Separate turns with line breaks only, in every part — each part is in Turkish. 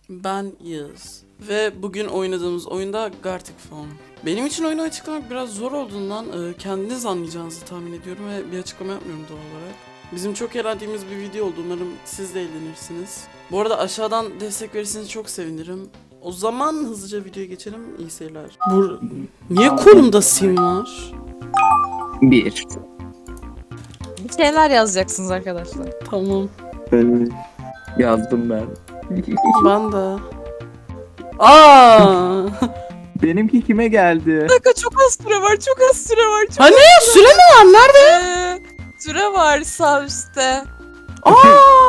Ben Yağız. Ve bugün oynadığımız oyunda Gartic Phone. Benim için oyunu açıklamak biraz zor olduğundan kendiniz anlayacağınızı tahmin ediyorum ve bir açıklama yapmıyorum doğal olarak. Bizim çok eğlendiğimiz bir video oldu. Umarım siz de eğlenirsiniz. Bu arada aşağıdan destek verirseniz çok sevinirim. O zaman hızlıca videoya geçelim. İyi seyirler. Niye kolumda sim var?
Bir.
Bir şeyler yazacaksınız arkadaşlar.
Tamam.
Yazdım ben.
Ben de. Aa!
Benimki kime geldi?
Bir dakika, çok az süre var, çok az süre var. Çok
Hani süre mi var? Nerede?
Süre var sağ üstte.
Aa!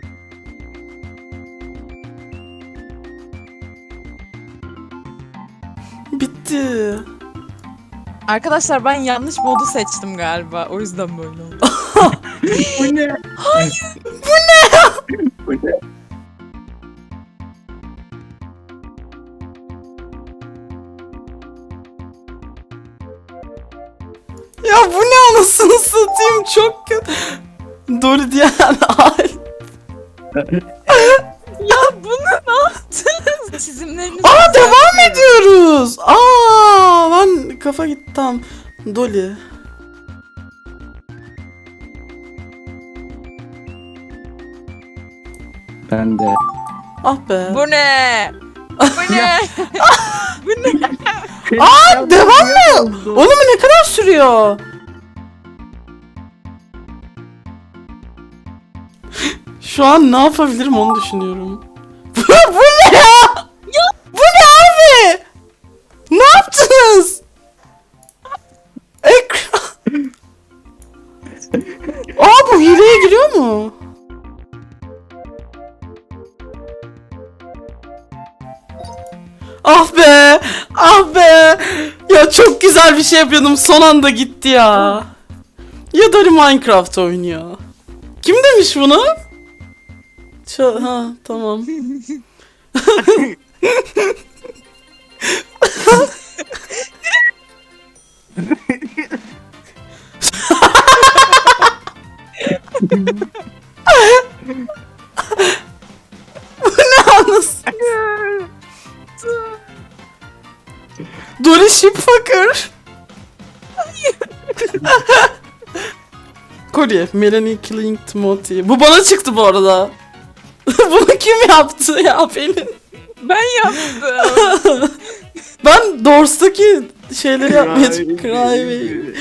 Bitti.
Arkadaşlar ben yanlış modu seçtim galiba. O yüzden böyle oldu.
Bu ne?
Hayır.
Bu ne?
Ya bu ne anasını satayım, çok kötü. Dolly diyen ay.
Ya bunu ne yaptınız? Çizimleriniz
Aa, devam ediyoruz. Aa, ben kafa gitti tam. Dolly.
Ben de.
Ah be.
Bu ne? Bu ne? Bu ne?
Aa, devam mı? Oğlum ne kadar sürüyor? Şu an ne yapabilirim onu düşünüyorum. Bu ne ya? Bu ne abi? Ne yaptınız? Ekran. Aa, bu hileye giriyor mu? Ah be! Ah be! Ya çok güzel bir şey yapıyordum, son anda gitti ya. Ya da Minecraft oynuyor. Kim demiş bunu? Ha, tamam. Bu ne anasını? Dolly Shipfucker. Kolye, Melanie Killing Timothy. Bu bana çıktı bu arada. Bunu kim yaptı ya, Pelin?
Ben yaptım.
Ben Doors'taki şeyleri yapmaya Cry.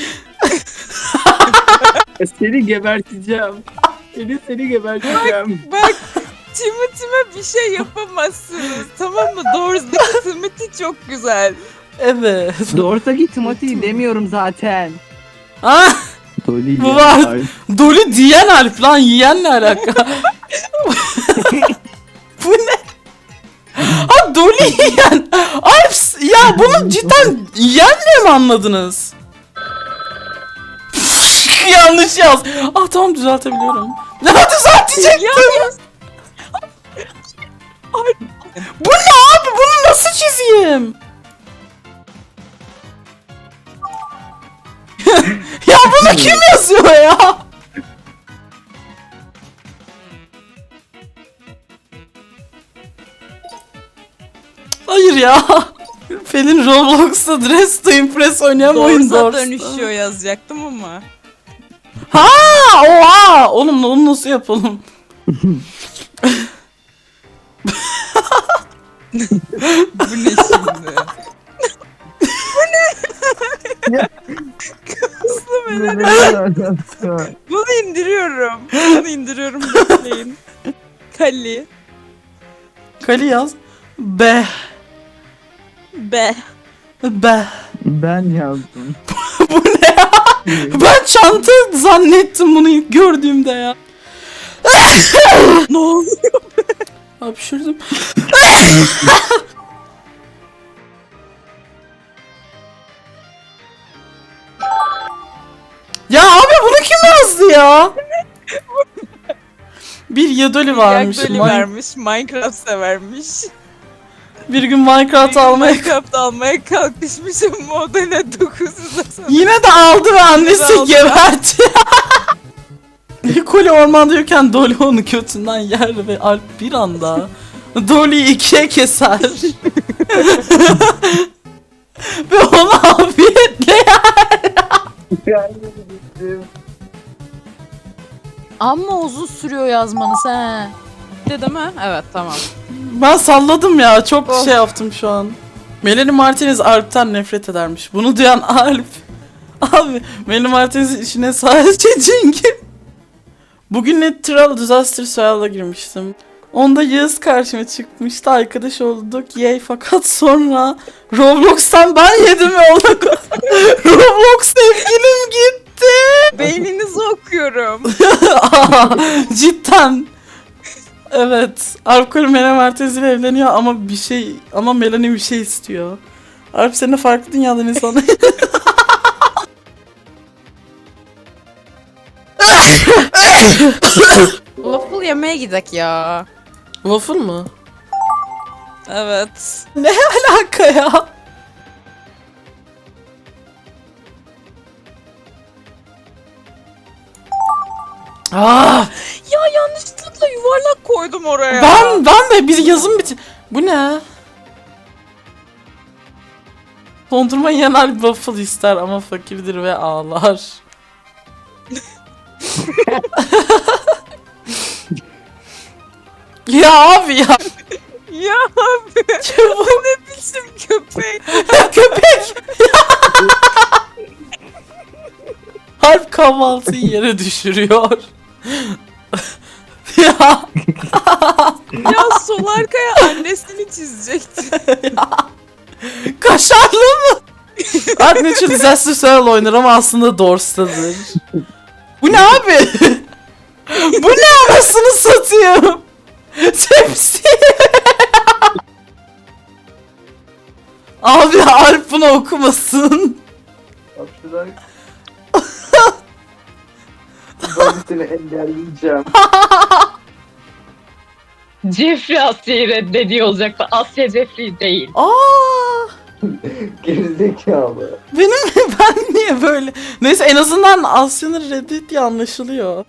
Seni geberteceğim. Seni geberteceğim.
Bak, Timothy'me bir şey yapamazsınız. Tamam mı? Doors'daki Timothy çok güzel.
Evet.
Doğrusaki Timothy demiyorum zaten.
Ah,
Dolly
bu var. Dolly diyen Alp lan, yiyenle alaka. Bu ne? Ha, Dolly yiyen. Alp ya, bunu cidden yiyenle mi anladınız? Yanlış yaz. Ah tamam, düzeltebiliyorum. Ne düzeltecektim? Bu ne abi? Bunu nasıl çizeyim? Ya bunu kim yazıyor ya? Hayır ya. Pelin Roblox'ta Dress to Impress oynayan oyun
Doors'a
Doors'ta.
dönüşüyor yazacaktım ama.
Ha, oha! Oğlum onu nasıl yapalım?
Bu ne şimdi? Bunu indiriyorum. Bunu indiriyorum, bekleyin. Kali.
Kali yaz. Be.
Be.
Be.
Ben yazdım.
Bu ne ya? Ben çanta zannettim bunu ilk gördüğümde ya.
Ne oluyor?
Hapşırdım. Ya abi, bunu kim yazdı ya? Bir Yadoli varmış.
Yak vermiş. Minecraft severmiş.
Bir gün Minecraft almaya...
Minecraft almaya kalkışmışım, o da ne 990.
Yine de aldı ve annesi
aldı.
geberti. Koli ormandayken Dolly onu götünden yer ve Alp bir anda Dolly'yi ikiye keser. Ve onu afiyetle yer.
Amma uzun sürüyor yazmanız he. Bitti değil mi? Evet tamam.
Ben salladım ya. Çok
Oh.
şey yaptım şu an. Melanie Martinez Alp'ten nefret edermiş. Bunu duyan Alp. Abi Melanie Martinez'in işine sadece çünkü. Bugün Natural Disaster Survival'a girmiştim. Onda Yağız karşıma çıkmıştı. Arkadaş olduk. Yay fakat sonra Roblox'tan ben yedim ve ona Roblox sevgilim gitti.
Beyninizi okuyorum.
Cidden. Evet. Alp Kuru Melanie Martinez ile evleniyor ama Melanie bir şey istiyor. Alp seninle farklı dünyadan insanı.
Waffle yemeye gidek ya.
Waffle mı?
Evet.
Alaka ya. Ah,
Ya yanlışlıkla yuvarlak koydum oraya.
ben de bir yazım bitir. Bu ne? Dondurma yanar waffle ister ama fakirdir ve ağlar. Ya abi ya.
Ya abi
Çabuk.
ne biçim köpek.
Köpek. Harp kahvaltıyı yere düşürüyor. Ya.
Ya sol arkaya annesini çizecekti.
Kaşarlı mı? Harp Natural Disaster Survival oynar ama aslında Dors'tadır. Bu ne abi? Bu ne anasını satayım? Tepsi. Abi Alp bunu okumasın.
Ben seni engelleyeceğim.
Jeffrey Asya'yı reddediyor olacaktı. Asya Jeffrey değil.
Aa,
Gerizekalı.
ben niye böyle? Neyse en azından Asya'nın Reddit diye anlaşılıyor.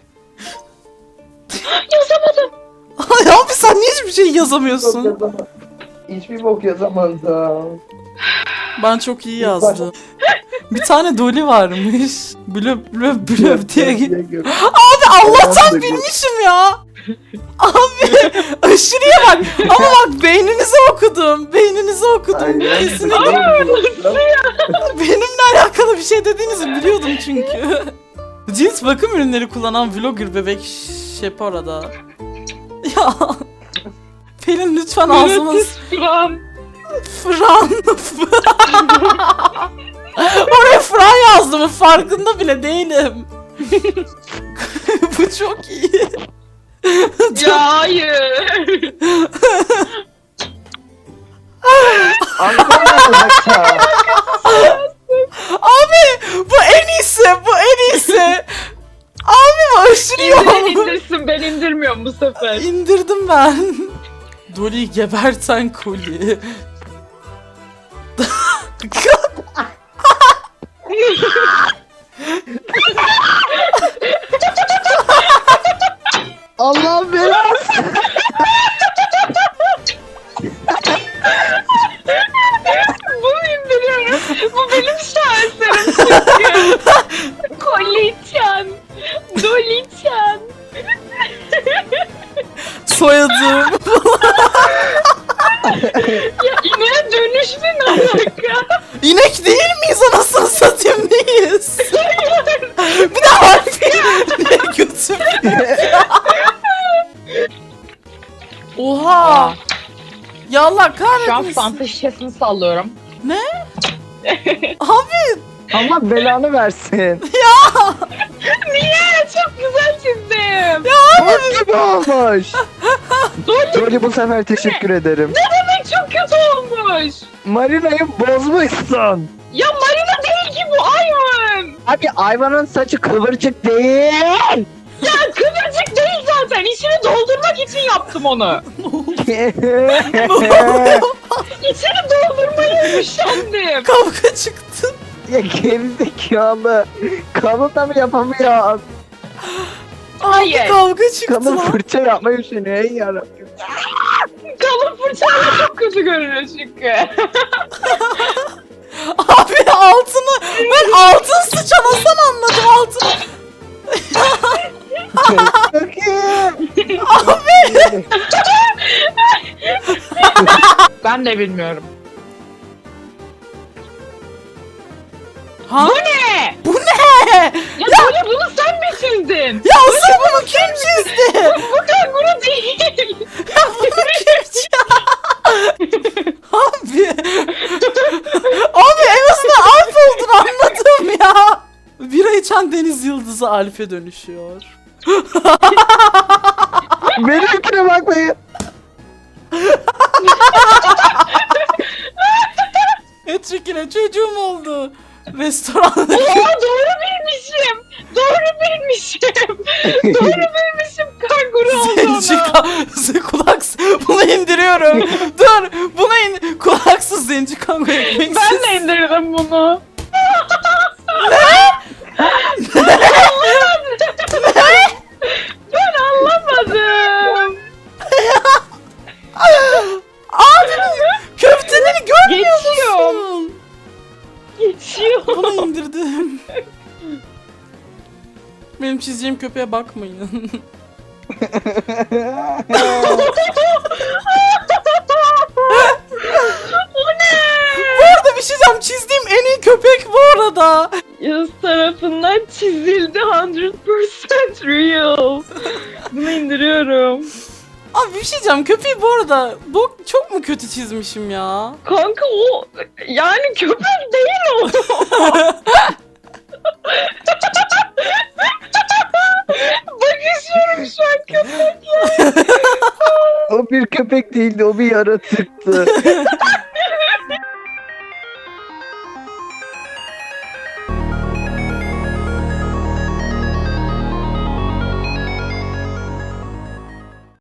Yazamadım.
Ay abi sen niye hiçbir şey yazamıyorsun?
Hiçbir bok yazamadım.
Ben çok iyi yazdım. Bir tane Dolly varmış. Blöp blöp blöp diye. Abi Allah'tan bilmişim ya. Abi aşırıya bak. Ama bak beyninizi okudum. Beyninizi okudum. Kesinlikle. Benimle alakalı bir şey dediğinizi biliyordum çünkü. Cins bakım ürünleri kullanan vlogger bebek Şepora'da. Ya. Pelin lütfen ağzımız...
Fıran.
Fran. Oraya Fran yazdım. Farkında bile değilim. Bu çok iyi.
Ya hayır.
Abi bu en iyisi. Bu en iyisi. Abi bu aşırı iyi
İndirin
oldu.
indirsin, ben indirmiyorum bu sefer.
İndirdim ben. Dolly'yi geberten koli.
Allah belası.
Bunu indiriyorum. Bu benim şaheserim çünkü. Koliçan. Doliçan.
Soyadım.
Ya ineğe dönüş ne alaka?
İnek değil miyiz anasını satayım neyiz? Bir de harfi. Ne götüm. Oha. Ya Allah
Şu an
kahretmesin.
fanta şişesini sallıyorum.
Abi
Allah belanı versin.
Niye? Çok güzel çizdim.
Bok gibi olmuş. Dolly bu sefer teşekkür ederim.
Demek çok kötü olmuş.
Marina'yı bozmuşsun.
Ya Marina değil ki bu Ayvan.
Abi Ayvan'ın saçı kıvırcık değil.
Ya kıvırcık değil zaten. İçini doldurmak için yaptım onu. İçini doldurmayı üşendim.
kavga çıktı.
Ya gerizekalı. Kalın da mı yapamıyor?
Hayır.
Kavga çıktı
Kalın
lan.
fırça yapmayı üşeniyor ey yarabbim.
Kalın fırçayla çok kötü görünüyor çünkü.
Abi altını ben altın sıçan Hasan anladım altını.
Çok iyi.
Ben de bilmiyorum.
Ha?
Ne?
Bu ne?
Ya böyle bunu sen mi çizdin?
Ya asıl bunu kim çizdi?
Bu kanguru değil.
Ya bunu kim çizdi? Abi. Abi en azından Alp olduğunu anladım ya. Bira içen deniz yıldızı Alp'e dönüşüyor.
Benimkine bakmayın.
Etrikine çocuğum oldu. Restoranda
Oha doğru bilmişim. Doğru bilmişim. Doğru bilmişim. Kanguru olduğunu.
zenci kulaksız. Bunu indiriyorum. Dur. Bunu kulaksız zenci kango ekmeksiz.
Ben de indirdim bunu. Ben anlamadım.
Abi köfteleri görmüyor
Geçiyor.
musun?
Geçiyor.
Bunu indirdim. Benim çizeceğim köpeğe bakmayın. Bu arada bir şey diyeceğim. Çizdiğim en iyi köpek bu arada.
Yaz tarafından çizildi 100% real. Bunu indiriyorum.
Abi bir şey diyeceğim. Köpeği bu arada çok mu kötü çizmişim ya?
Kanka o yani köpek değil o.
Bakışıyorum şu an köpek.
O bir köpek değildi, o bir yaratıktı.